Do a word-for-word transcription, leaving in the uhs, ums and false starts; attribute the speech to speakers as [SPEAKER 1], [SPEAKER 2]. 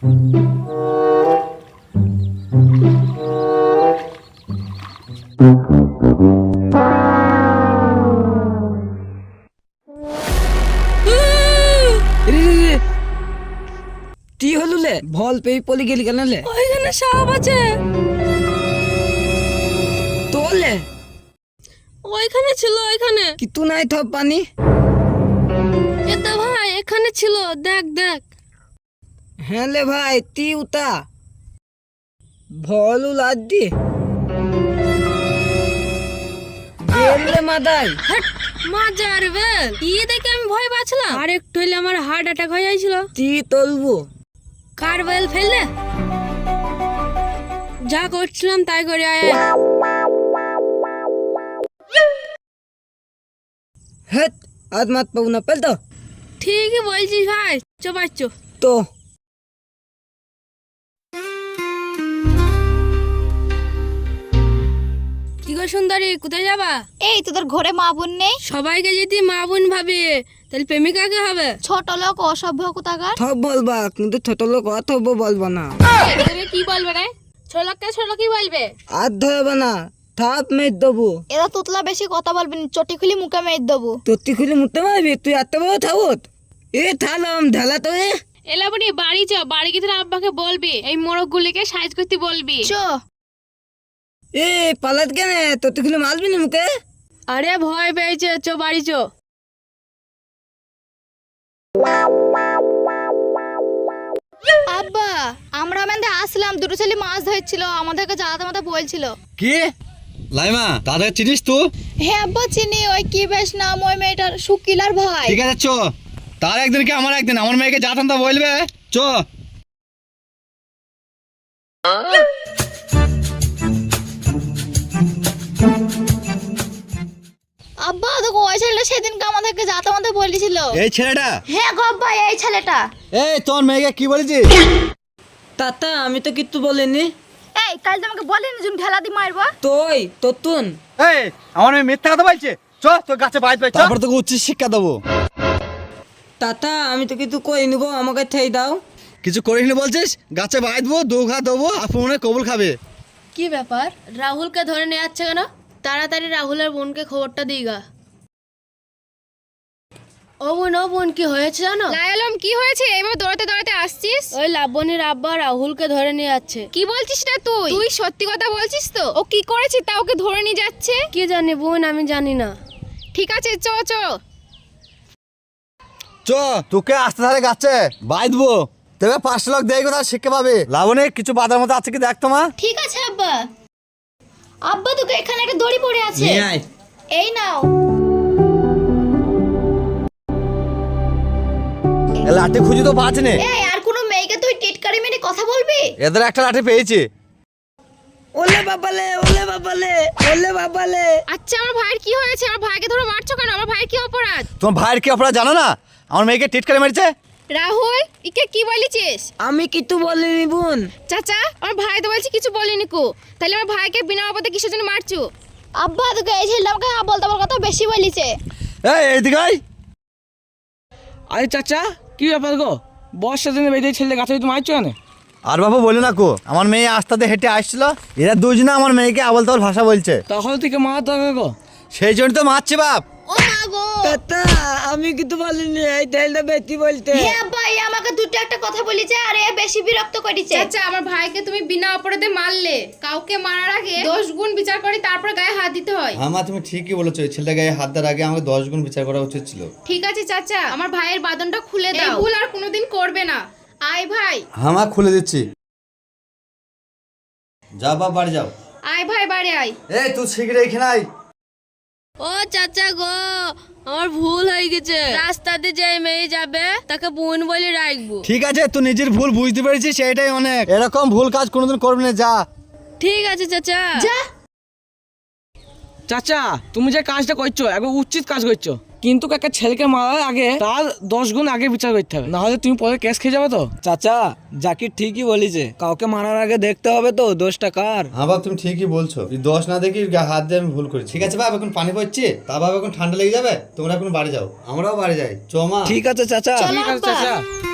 [SPEAKER 1] কি হলো লে? ভল পেয়ে পলি গেলি কেন লে?
[SPEAKER 2] ওইখানে সাপ আছে।
[SPEAKER 1] তোলে
[SPEAKER 2] ওইখানে ছিল, ওইখানে।
[SPEAKER 1] কিন্তু নাই থপ পানি।
[SPEAKER 2] এটা ভাই এখানে ছিল, দেখ দেখ।
[SPEAKER 1] হ্যাঁ লে ভাই, তি উতা ভল উলাদ দি গেলে মাদাই।
[SPEAKER 2] হট, মাজার বেল। ই দেখে আমি ভয় পাচ্ছিলাম, আর একটু হইলে আমার হার্ট অ্যাটাক হয়ে যাইছিল।
[SPEAKER 1] তি তলবো
[SPEAKER 2] কার বেল ফেললে? যা করছিলাম তাই করে আয়।
[SPEAKER 1] হেট আজ মাত পাবো না পেল তো।
[SPEAKER 2] ঠিকই বলছিস ভাই, চো বাচ্চো।
[SPEAKER 1] তো
[SPEAKER 2] কি গো সুন্দরী, কোথায় যাবা?
[SPEAKER 3] এই তোদের ঘরে মা বোন নেই?
[SPEAKER 2] সবাইকে যদি মা বোন ভাবি তাহলে প্রেমিকাকে হবে?
[SPEAKER 3] ছোট লোক অসভ্য কোথাকার।
[SPEAKER 1] থপ বলবা, কিন্তু ছোট লোক অথব বলবা না।
[SPEAKER 2] তুমি কি বলবে রে? ছোলককে ছোল কি বলবে?
[SPEAKER 1] আর ধরবে না, থাপ মেয়ে দেবো।
[SPEAKER 3] এরা তোতলা বেশি কথা বলবি না, চটি খুলি মুখে মেরে দেবো।
[SPEAKER 1] তোর খুলে মুতে মারবি তুই? এত বড় থাবত এ থালাম ঢালা তো এ।
[SPEAKER 2] এলাবনি বাড়ি চ, বাড়ি গিয়ে তোর আব্বাকে বলবি এই মোরগ গুলিকে সাইজ করতে বলবি।
[SPEAKER 3] চো
[SPEAKER 1] এ পালাত কেন? তোর খুলে মারবি না মুখে?
[SPEAKER 2] আরে ভয় পেয়েছে, চো বাড়ি চো।
[SPEAKER 3] আব্বা, আমরা মেন্দে আসলাম, দুটো ছেলে মাছ ধরছিল, আমাদেরকে জ্বালাতে মাথা বলছিল।
[SPEAKER 4] কি লাইমা, তাদের চিনিস তো?
[SPEAKER 3] হ্যাঁ আব্বা চিনি, ওই কি বেশ নাম ওই মেয়েটার, সুকিলার ভাই।
[SPEAKER 4] ঠিক আছে চ, তার একদিন কি আমার একদিন, আমার মেয়েকে যা তা বলবে। চ
[SPEAKER 3] আব্বা দেখো, ওই ছেলেটা সেদিনকে আমাদেরকে যাতে মাথা বলেছিল।
[SPEAKER 4] এই ছেলেটা?
[SPEAKER 3] হ্যাঁ গো আব্বা, এই ছেলেটা।
[SPEAKER 4] এই তোর মেয়েকে কি বলেছিস?
[SPEAKER 1] তাতা আমি তো কিচ্ছু বলিনি।
[SPEAKER 3] এই কাল তোমাকে বলিনি তুমি ঢেলা দি মারবা।
[SPEAKER 1] তুই তোতুন
[SPEAKER 4] এই আমার মেয়ে মিথ্যা কথা বলছে। চ তোর গাছে বাইত পাই, তারপর তোকে উচ্চ শিক্ষা দেবো।
[SPEAKER 1] তাতা আমি তো কিছু করিনি গো, আমাকে ঠেই দাও।
[SPEAKER 4] কিছু করিস না বলছিস? গাছে বাইতবো, দু ঘা দেবো, আপনি কবুল খাবে।
[SPEAKER 2] কি ব্যাপার, রাহুলকে ধরে নিয়ে যাচ্ছে কেন? তাড়াতাড়ি রাহুলের বোনকে খবরটা দিগা। ও বোন, ও বোন, কি হয়েছে জানো?
[SPEAKER 3] লায়ালম কি হয়েছে? এবার দৌড়াতে দৌড়াতে আসছিস?
[SPEAKER 2] ওই লাবণীর আব্বা রাহুলকে ধরে নিয়ে যাচ্ছে।
[SPEAKER 3] কি বলছিস না তুই? তুই সত্যি কথা বলছিস তো? ও কি করেছে তা ওকে ধরে নিয়ে যাচ্ছে?
[SPEAKER 2] কি জানি বোন, আমি জানি না।
[SPEAKER 3] ঠিক আছে চ চ।
[SPEAKER 4] চ তোকে আসতে ধারে গাছে বাইতবো, তবে পাঁচটা লোক দেয় কোথাও শিক্ষা পাবে। লাবণে কিছু বাধার মতো আছে কি দেখ তো মা।
[SPEAKER 3] ঠিক আছে আব্বা। আব্বা তোকে এখানে একটা দড়ি পড়ে আছে,
[SPEAKER 1] নিয়ে আয়।
[SPEAKER 3] এই নাও।
[SPEAKER 4] এ লাঠি খুঁজি তো পাচ্ছি না।
[SPEAKER 3] এই আর কোনো মেয়েকে তুই টিটকারি মেরে কথা বলবি?
[SPEAKER 4] এদের একটা লাঠি পেয়েছি।
[SPEAKER 1] ওলে বাবালে, ওলে বাবালে, ওলে বাবালে।
[SPEAKER 3] আচ্ছা আমার ভাইয়ের কি হয়েছে? আমার ভাইকে ধরে মারছো কেন? আমার ভাইয়ের কি অপরাধ?
[SPEAKER 4] তোমার ভাইয়ের কি অপরাধ জানো না? আমার মেয়েকে টিটকারি মেরেছে।
[SPEAKER 3] রাহুল ইকে কি বলেছিস?
[SPEAKER 1] আমি কিছু বলিনি বোন।
[SPEAKER 3] চাচা আমার ভাই তো বলছি কিছু বলিনি কো, তাহলে আমার ভাইকে বিনা অপরাধে কিসের জন্য মারছো? আব্বা তোকে এই ছেলেটা আমাকে বলতে বল কথা বেশি বলিছে।
[SPEAKER 4] এই এইদিকে আয়।
[SPEAKER 1] আরে চাচা কি ব্যাপার গো? বর্ষার দিনে বেঁধে ছেলে গাছে তুমি মারছো কেন?
[SPEAKER 4] আর বাবু বলে না কো, আমার মেয়ে আস্তাতে হেঁটে আসছিল, এরা দুজনে আমার মেয়েকে আবল তাবল ভাষা বলছে।
[SPEAKER 1] তখন থেকে মা তো গো,
[SPEAKER 4] সেই জন্য তো মারছে বাপ।
[SPEAKER 3] ও মা গো।
[SPEAKER 1] তাতা আমি কিছু বলিনি, এই তেলটা বেশি বলতে।
[SPEAKER 3] হ্যাঁ আব্বা, এই আমাকে দুটো একটা কথা বলেছে আর এ বেশি বিরক্ত করেছে।
[SPEAKER 5] আচ্ছা আমার ভাইকে তুমি বিনা অপরাধে মারলে, কাউকে মারার আগে দশ গুণ বিচার করে তারপর গায়ে হাত দিতে হয়।
[SPEAKER 4] হ্যাঁ মা তুমি ঠিকই বলেছো, এই ছেলেটা গায়ে হাত দেওয়ার আগে আমাকে দশ গুণ বিচার করা উচিত ছিল।
[SPEAKER 5] ঠিক আছে চাচা, আমার ভাইয়ের বাঁধনটা খুলে দাও, এই ভুল আর কোনোদিন করবে না। আয় ভাই।
[SPEAKER 4] হ্যাঁ মা খুলে দিচ্ছি। যাও বাপ বাড়ি যাও।
[SPEAKER 5] আয় ভাই বাড়ি আয়।
[SPEAKER 4] এই তুই শিগগির এখানে আয়।
[SPEAKER 2] ও চাচা গো, আমার ভুল হয়ে গেছে। রাস্তাতে যে মেয়ে যাবে তাকে বোন বলে রাখবো।
[SPEAKER 4] ঠিক আছে তুই নিজের ভুল বুঝতে পেরেছিস, সেটাই অনেক। এরকম ভুল কাজ কোনোদিন করবি না, যা।
[SPEAKER 2] ঠিক আছে চাচা।
[SPEAKER 3] যা।
[SPEAKER 1] চাচা তুমি যে কাজটা করছো একবার উচিত কাজ করছো, কিন্তু একটা ছেলেকে মারার আগে তার দশ গুণ আগে বিচার করতে হবে, না হলে তুমি পরে কেস খেয়ে যাবে তো। চাচা জাকির ঠিকই বলিছে, কাউকে মারার আগে দেখতে হবে তো দোষটা কার।
[SPEAKER 4] হ্যাঁ বাপ তুমি ঠিকই বলছো, এই দোষ না দেখি হাত দিয়ে আমি ভুল করেছি। ঠিক আছে বাপ, এখন পানি পড়ছে, তা বাপ এখন ঠান্ডা লেগে যাবে, তোমরা এখন বাড়ি যাও, আমরাও বাড়ি যাই। চ মা।
[SPEAKER 1] ঠিক আছে চাচা।
[SPEAKER 3] চলো
[SPEAKER 1] ঠিক আছে
[SPEAKER 3] আব্বা।
[SPEAKER 1] চাচা।